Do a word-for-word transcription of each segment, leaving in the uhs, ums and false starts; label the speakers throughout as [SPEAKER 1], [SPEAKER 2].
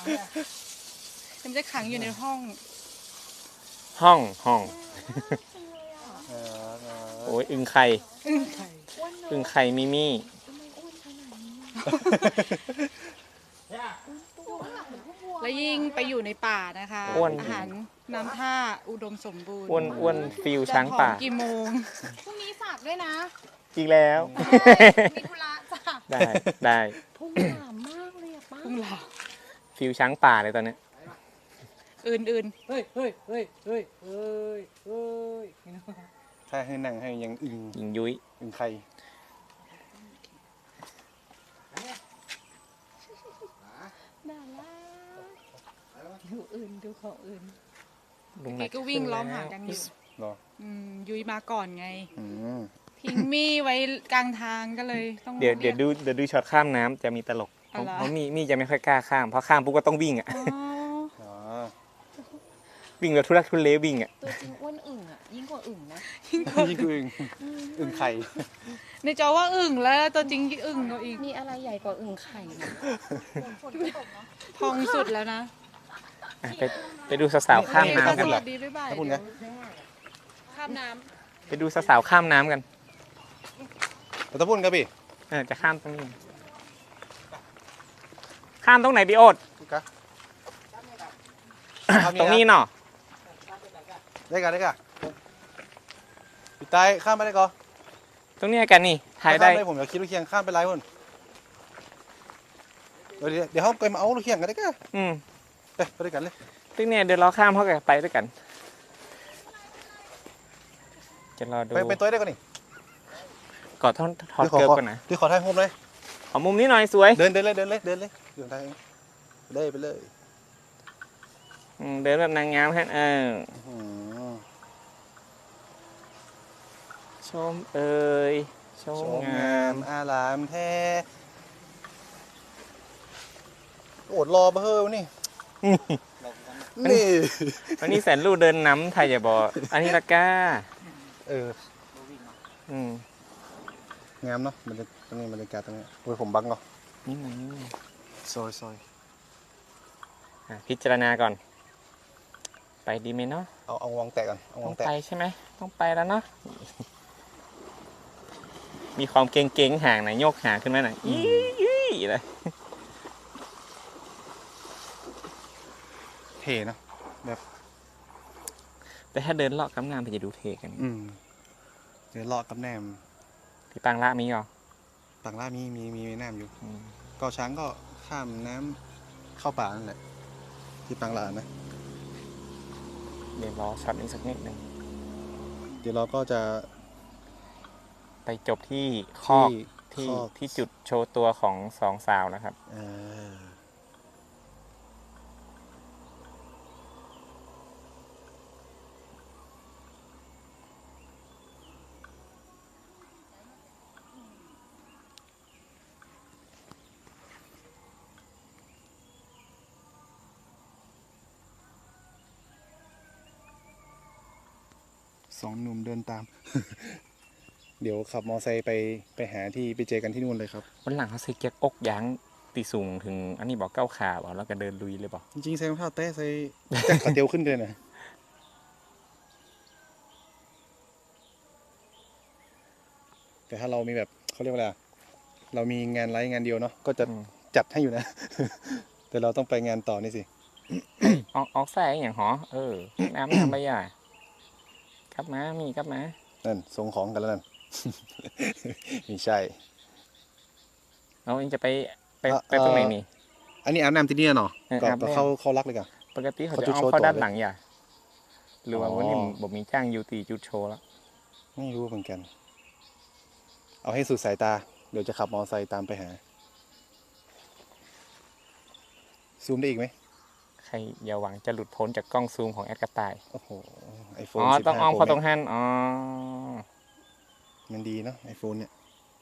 [SPEAKER 1] มันจะขังอยู่ในห้อง
[SPEAKER 2] ห้องห้องโอ้ยอึ่งไข่
[SPEAKER 1] อึ่งไข่
[SPEAKER 2] อึ่งไข่มิมี่
[SPEAKER 1] แล้วยิ่งไปอยู่ในป่านะคะอาหารน้ำท่าอุดมสมบูรณ์
[SPEAKER 2] อ้วนอ้วนฟิลช้างป่า
[SPEAKER 1] กี่โมงพรุ่งนี้ฝากด้วยนะ
[SPEAKER 2] อีกแล้ว
[SPEAKER 1] มีธุระจ้ะ
[SPEAKER 2] ได้ได้
[SPEAKER 3] พุ่งหลามมากเลยอะป้า
[SPEAKER 1] พุ่งหลา
[SPEAKER 2] ฟิลช้างป่าเลยตอนนี้
[SPEAKER 1] อื่นอื่น
[SPEAKER 4] เฮ้ยเฮ้ยเฮ้ยเฮ้ยเฮ้ยเฮ้ยถ้าให้นั่งให้ยังอึง
[SPEAKER 2] หญิงยุ้ย
[SPEAKER 4] อึงไข่
[SPEAKER 3] น่ารักดูอื่นดูของอื่น
[SPEAKER 2] ลุง
[SPEAKER 1] ๆ
[SPEAKER 2] นั
[SPEAKER 1] นี่
[SPEAKER 2] ด
[SPEAKER 1] ก็วิ่งล้อมหากันอยู่
[SPEAKER 4] หรอ
[SPEAKER 1] อืมยุ้ยมาก่อนไง
[SPEAKER 4] อืม
[SPEAKER 1] ทิ้งมี่ไว้กลางทางก็เลยต้อง
[SPEAKER 2] เดี๋ยวเดี๋ยวดูเดี๋ยวดูช็อตข้ามน้ำจะมีตลก
[SPEAKER 1] อ๋อเหรอ
[SPEAKER 2] เพราะมีมีจะไม่ค่อยกล้าข้ามเพราะข้ามปุ๊บก็ต้องวิ่งอ่ะ
[SPEAKER 1] อ๋อ
[SPEAKER 4] อ๋อ
[SPEAKER 2] วิ่งแบบทุรักทุเลวิ่งอ่ะ
[SPEAKER 3] ตัวจริงอ้วนอึ่งอะยิ่งกว่าอึ่งนะ
[SPEAKER 4] นี่คืออึงอึงไข่
[SPEAKER 1] ในจอว่าอึ่งแล้วตัวจริงอึ่งก็อีก
[SPEAKER 3] มีอะไรใหญ่กว่าอึ่งไข่นะ
[SPEAKER 1] ทองสุดแล้วนะ
[SPEAKER 2] อ่ะไปไปดูสาวๆข้ามน้ำกัน
[SPEAKER 1] ส
[SPEAKER 2] เหร
[SPEAKER 1] วั
[SPEAKER 2] อ
[SPEAKER 1] สดีบ๊ายบาย
[SPEAKER 4] ถ้าคุณนะ
[SPEAKER 1] ข้ามน้
[SPEAKER 2] ไปดูสาวๆข้ามน้ำกัน
[SPEAKER 4] แล้วถ้าพูดกันพี่
[SPEAKER 2] เออจะข้ามตรงนี้ ข้ามตรงไหนพี่โอ๊ต
[SPEAKER 4] กะ
[SPEAKER 2] ตรงนี้เนาะ
[SPEAKER 4] ได้กันได้กันพี่ตายข้ามไปได้ก่อน
[SPEAKER 2] ตรงนี้กันนี่ถ่ายได้
[SPEAKER 4] ข้ามผมอยากคิดลูกเคียงข้ามไปไรพุ่นเดี๋ยวเดี๋ยวเขาไปมาเอาลูกเคียงกันได้กัน
[SPEAKER 2] อืม
[SPEAKER 4] ไปไปด้วยกันเลย
[SPEAKER 2] ตรงนี้เดี๋ยวเราข้ามเขากันไปด้วยกัน จะรอดู
[SPEAKER 4] ไปไปตัวได้ก่อนนี่
[SPEAKER 2] กอดท่อนทอดเกิร์บกันนะ
[SPEAKER 4] ที่ขอถ่ายรูปเลย
[SPEAKER 2] ขอมุมนี้หน่อยสวย
[SPEAKER 4] เดินเดินเลยเดินเลยเดินเลยเดินทางเองไปเลยไปเลย
[SPEAKER 2] อืมเดินแบบนางงามฮะเออ
[SPEAKER 4] อืม
[SPEAKER 2] ชมเอ่ยชม
[SPEAKER 4] สวย
[SPEAKER 2] งาง
[SPEAKER 4] าม มอารามแท้โอดรอเบอร์นี่นี่
[SPEAKER 2] วันนี้แสนลูกเดินน้ำไทยอย่าบอกอันนี้ละก้า
[SPEAKER 4] เออ
[SPEAKER 2] อืม
[SPEAKER 4] งามเนาะมันจะตรงนี้บรรยากาศตรงนี้โอ้ยผมบังเนาะ
[SPEAKER 2] นี่มันนี่
[SPEAKER 4] ซอยซอย
[SPEAKER 2] อ่ะพิจารณาก่อน ไปดีไหมเนาะ
[SPEAKER 4] เอาเอาวางแตะก่อนเอา
[SPEAKER 2] ต้
[SPEAKER 4] วา
[SPEAKER 2] อง ง
[SPEAKER 4] แตะ
[SPEAKER 2] ไปใช่ไหมต้องไปแล้วเนาะมีความเก่งๆห่างหน่อยโยกหางขึ้นมาหน่อยยี่ยี่เลย
[SPEAKER 4] เท่เนาะ
[SPEAKER 2] แต่ถ้าเดินเลาะกำงามไปจะดูเทกัน
[SPEAKER 4] อืมเดี๋ยวเลาะกับแหนม
[SPEAKER 2] พี่ปังละมีเหรอ
[SPEAKER 4] ต่างล่ามีมีมีแหนมอยู่
[SPEAKER 2] อืม
[SPEAKER 4] เกาะช้างก็ข้ามน้ำเข้าป่านั่นแหละที่ปังลานะ
[SPEAKER 2] เดี๋ยวรอช็อตนี้สักนิดหนึ่ง
[SPEAKER 4] เดี๋ยวเราก็จะ
[SPEAKER 2] ไปจบที่คอก
[SPEAKER 4] ที่
[SPEAKER 2] ที่
[SPEAKER 4] คอก
[SPEAKER 2] ที่จุดโชว์ตัวของสองสาวนะครับ
[SPEAKER 4] เออสองหนุ่มเดินตาม เดี๋ยวขับมอไซค์ไปไปหาที่ไปเจอกันที่นู่นเลยครับ
[SPEAKER 2] วันหลังเขาใส่เกียร์อกยางตีสูงถึง อันนี้บอกเก้าขาบอกแล้วก็เดินลุยเลยบอก
[SPEAKER 4] จริงๆใส่รองเท้าแตะใส่แจ็คขาเตียวขึ้นเลยนะ แต่ถ้าเรามีแบบเขาเรียกว่าอะไรอะเรามีงานไลฟ์งานเดียวเนาะก็จะ
[SPEAKER 2] อืม
[SPEAKER 4] จัดให้อยู่นะ แต่เราต้องไปงานต่อนี่สิ
[SPEAKER 2] ออกออกแส่อย่างหอเออ น้ำน้ำใบหญ้ากลับมามีกลับมา
[SPEAKER 4] นั่นส่งของกันแล้วนั่น ไม่ใช่
[SPEAKER 2] เราเองจะไปไป
[SPEAKER 4] เอ่อ
[SPEAKER 2] ไปตรงไหนนี่
[SPEAKER 4] อันนี้อาบน้ำที่นี่เนาะ
[SPEAKER 2] เออ
[SPEAKER 4] ก็
[SPEAKER 2] อาบ
[SPEAKER 4] ก็
[SPEAKER 2] น้ำ
[SPEAKER 4] เข้าเข้ารักเลยกัน
[SPEAKER 2] ปกติเขา
[SPEAKER 4] เขา
[SPEAKER 2] จะ
[SPEAKER 4] จุด
[SPEAKER 2] เอา
[SPEAKER 4] โชว์
[SPEAKER 2] เข้า
[SPEAKER 4] ต่อ
[SPEAKER 2] ด้าน
[SPEAKER 4] เลย
[SPEAKER 2] หลังอย่าหรือว่า
[SPEAKER 4] อ๋อ
[SPEAKER 2] วันนี้บอกมีจ้างยูตีจุดโชว์แล้ว
[SPEAKER 4] ไม่รู้เหมือนกัน เอาให้สุดสายตา เดี๋ยวจะขับมอเตอร์ไซค์ตามไปหา ซูมได้อีกไหม
[SPEAKER 2] ใครอย่าหวังจะหลุดพ้นจากกล้องซูมของแอดกระต่าย
[SPEAKER 4] โอ้โหไอโฟน
[SPEAKER 2] อ๋อ
[SPEAKER 4] สิบ
[SPEAKER 2] ต้อง
[SPEAKER 4] ห้า
[SPEAKER 2] อ้อม
[SPEAKER 4] โปร
[SPEAKER 2] เข้าตรงหันอ๋อ
[SPEAKER 4] มันดีเนาะไอโฟนเนี่ย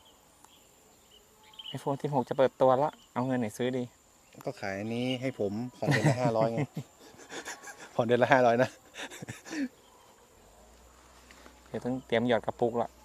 [SPEAKER 2] ไอโฟนสิบหกจะเปิดตัวแล้วเอาเงินไหนซื้อดี
[SPEAKER 4] ก็ขายอันนี้ให้ผมผ่อนเดือนละห้าร้อยไง ผ่อนเดือนละห้าร้อยนะ
[SPEAKER 2] เดี๋ยวต้องเตรียมหยอดกระปุกละ